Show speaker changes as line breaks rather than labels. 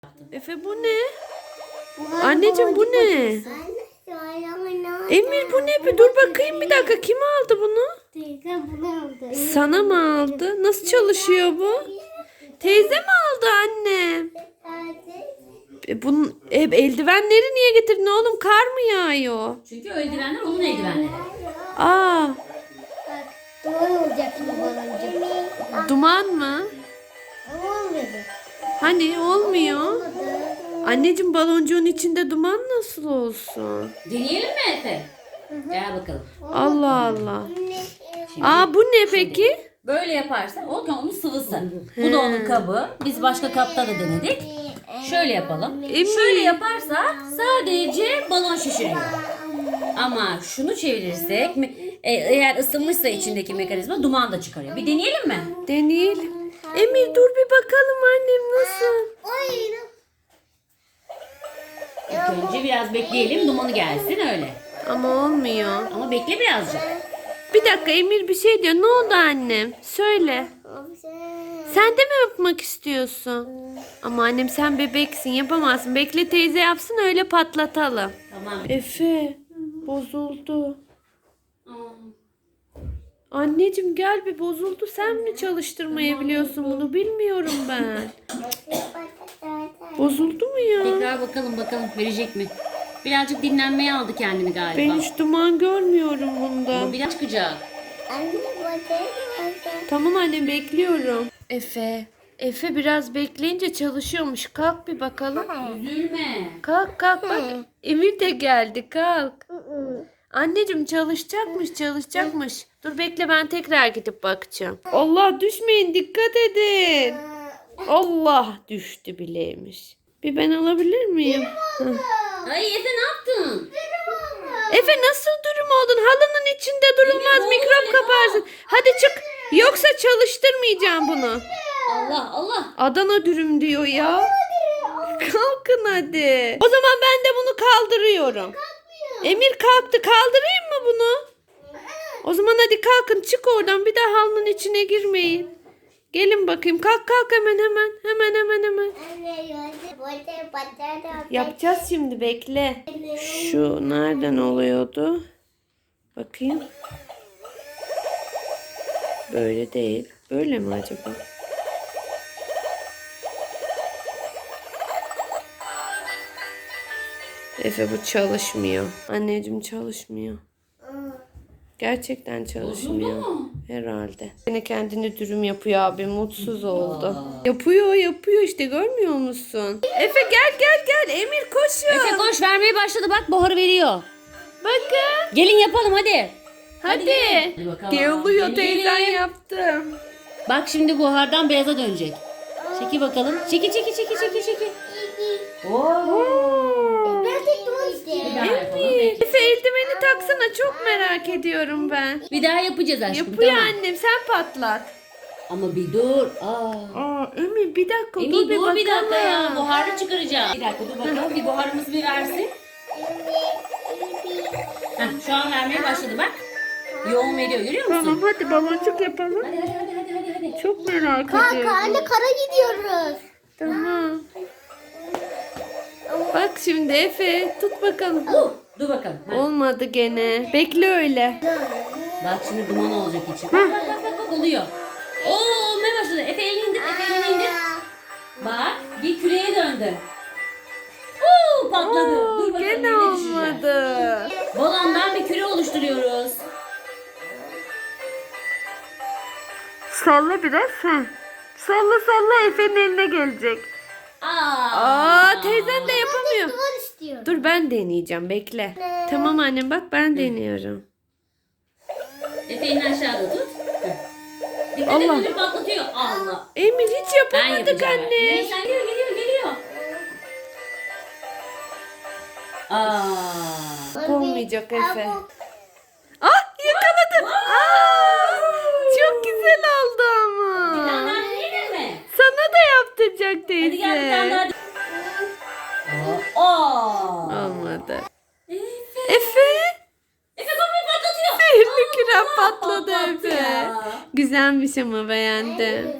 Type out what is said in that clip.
Efe bu ne? Anneciğim bu ne? Emir bu ne? Bir dur bakayım bir dakika. Kim aldı bunu?
Teyze bunu aldı.
Sana mı aldı? Nasıl çalışıyor bu? Teyze mi aldı anne? Bunun eldivenleri niye getirdin oğlum? Kar mı yağıyor?
Çünkü o eldivenler onun eldivenleri.
Aa,
Bak duvar olacak şimdi baloncuk.
duman mı?
Olmadı.
Hani olmuyor.
Olmadı.
Anneciğim baloncuğun içinde duman nasıl olsun?
Deneyelim mi Efe? Gel bakalım.
Allah Allah.
Şimdi
Aa bu ne peki?
böyle yaparsan onun sıvısı. Bu da onun kabı. Biz başka kapta da denedik. Şöyle yapalım. Şöyle yaparsa sadece balon şişiriyor. Ama şunu çevirirsek eğer ısınmışsa içindeki mekanizma duman da çıkarıyor. Bir deneyelim mi?
Deneyelim. Emir dur bir bakalım annem nasıl?
İlk önce biraz bekleyelim dumanı gelsin öyle.
Ama olmuyor.
Ama bekle birazcık.
Bir dakika Emir bir şey diyor. Ne oldu annem? Söyle. Sen de mi yapmak istiyorsun? Ama annem sen bebeksin yapamazsın. Bekle teyze yapsın öyle patlatalım.
Tamam.
Efe bozuldu. Anneciğim gel bir bozuldu. Sen mi çalıştırmayı biliyorsun bunu? Bilmiyorum ben. Bozuldu mu ya?
Tekrar bakalım verecek mi? Birazcık dinlenmeye aldı kendini galiba.
Ben hiç duman görmüyorum bunda.
Ama biraz çıkacak.
Tamam annem bekliyorum. Efe biraz bekleyince çalışıyormuş. Kalk bir bakalım.
Üzülme.
Kalk bak. Emir de geldi kalk. Anneciğim çalışacakmış. Dur bekle ben tekrar gidip bakacağım. Allah düşmeyin dikkat edin. Allah düştü bileymiş. Bir ben alabilir miyim? Hı.
Ay Efe ne yaptın?
Efe nasıl dürüm oldun? Halının içinde durulmaz
Emir,
mikrop
oğlum,
kaparsın. Hadi çık. Yoksa çalıştırmayacağım bunu.
Allah.
Adana dürüm diyor ya. Kalkın hadi. O zaman ben de bunu kaldırıyorum. Emir kalktı. Kaldırayım mı bunu? O zaman hadi kalkın çık oradan. Bir daha halının içine girmeyin. Gelin bakayım. Kalk hemen. Yapacağız şimdi bekle. Şu nereden oluyordu? Bakayım. Böyle değil. Böyle mi acaba? Efe bu çalışmıyor. Anneciğim çalışmıyor. Gerçekten çalışmıyor.
Bozuldu mu?
Herhalde. Yine kendini dürüm yapıyor abi. Mutsuz oldu. Yapıyor işte görmüyor musun? Efe gel. Emir koşuyor.
Efe koş vermeye başladı bak buharı veriyor.
Bakın.
Gelin yapalım hadi.
Hadi.
Hadi bakalım.
Geliyor
Gelin,
teyzen
gelin.
yaptım.
Bak şimdi buhardan beyaza dönecek. Çeki bakalım. Çeki. Oo.
Ben tek duvar istiyorum.
Bir daha yapalım.
Emir. Efe eldiveni taksana çok merak ediyorum ben.
Bir daha yapacağız aşkım.
Yapıyor
tamam.
annem sen patlat.
Ama bir dur.
Emir bir dakika
Emir
dur bir
dur bir dakika ya.
bakalım.
Buharı çıkaracağım. Bir dakika dur bakalım. Bir buharımızı bir versin. Heh, şu an vermeye başladı bak. Yoğun veriyor görüyor musun?
Tamam hadi baloncuk yapalım.
Hadi.
Çok merak
Kanka
ediyorum.
anne kara gidiyoruz.
Tamam. Bak şimdi Efe tut bakalım.
Dur bakalım. Heh.
Olmadı gene. Bekle öyle.
Bak şimdi duman olacak içi. Bak oluyor. Oo olmaya başladı. Efe elini indir. Bak bir küreye döndü. Patladı. Dur bakalım
Gene
nereye düşecek?
olmadı.
Balondan bir küre oluşturuyoruz.
Salla biraz. Salla Efe'nin eline gelecek. Teyzen de yapamıyor.
Duvar istiyorum.
Dur ben deneyeceğim bekle. Tamam annem bak ben deniyorum.
Efe elini aşağıda tut. Dikkat et
Allah.
öyle patlatıyor. Allah.
Emir hiç
Ben
yapamadık
yapacağım.
anne.
Neyse geliyor.
Olmayacak Efe. Yakaladım. Çok güzel oldu
Bir tane
ama.
daha deneyelim mi?
Sana da yaptıracak
Hadi gel bir
teyze.
tane daha.
Olmadı. Efe.
Efe kapıyı patlatıyor.
Sihirli küre patladı
patlattı
Efe.
ya.
Güzelmiş ama beğendim.